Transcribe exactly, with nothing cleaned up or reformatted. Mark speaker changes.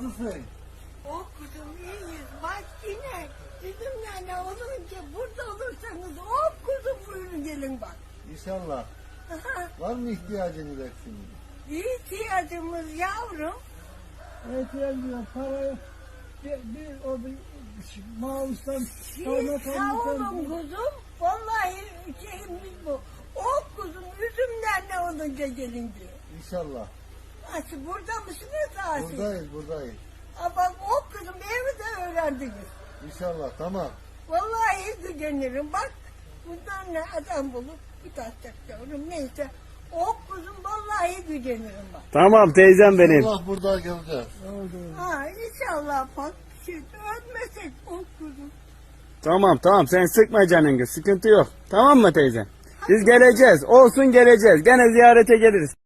Speaker 1: Nasılsın?
Speaker 2: O kuzum iyiyiz. Bak yine bizim yani olunca burada olursanız o kuzum buyurun gelin bak.
Speaker 1: İnşallah.
Speaker 2: Aha,
Speaker 1: Var mı ihtiyacınız eksiniz?
Speaker 2: İhtiyacımız yavrum.
Speaker 3: İhtiyacım para bir, bir o bir mağustan
Speaker 2: Siz
Speaker 3: kaymakamlıktan
Speaker 2: sağ olun kuzum. Vallahi şeyimiz bu. O kuzum üzümler ne olunca gelin diyor.
Speaker 1: İnşallah.
Speaker 2: Nasıl burada mısınız Asi?
Speaker 1: Buradayız, buradayız.
Speaker 2: Aa, bak o kızım evi de öğrendiniz.
Speaker 1: İnşallah, tamam.
Speaker 2: Vallahi gücenirim. Bak bundan ne adam bulup bir taşacak yavrum. Neyse o kuzum vallahi gücenirim bak.
Speaker 4: Tamam teyzem benim.
Speaker 1: İnşallah burada göreceğiz.
Speaker 3: oldu.
Speaker 2: Ha inşallah bak. Şimdi ölmesek o kuzum.
Speaker 4: Tamam tamam sen sıkma canını sıkıntı yok. Tamam mı teyze? Biz geleceğiz. Olsun geleceğiz. Gene ziyarete geliriz.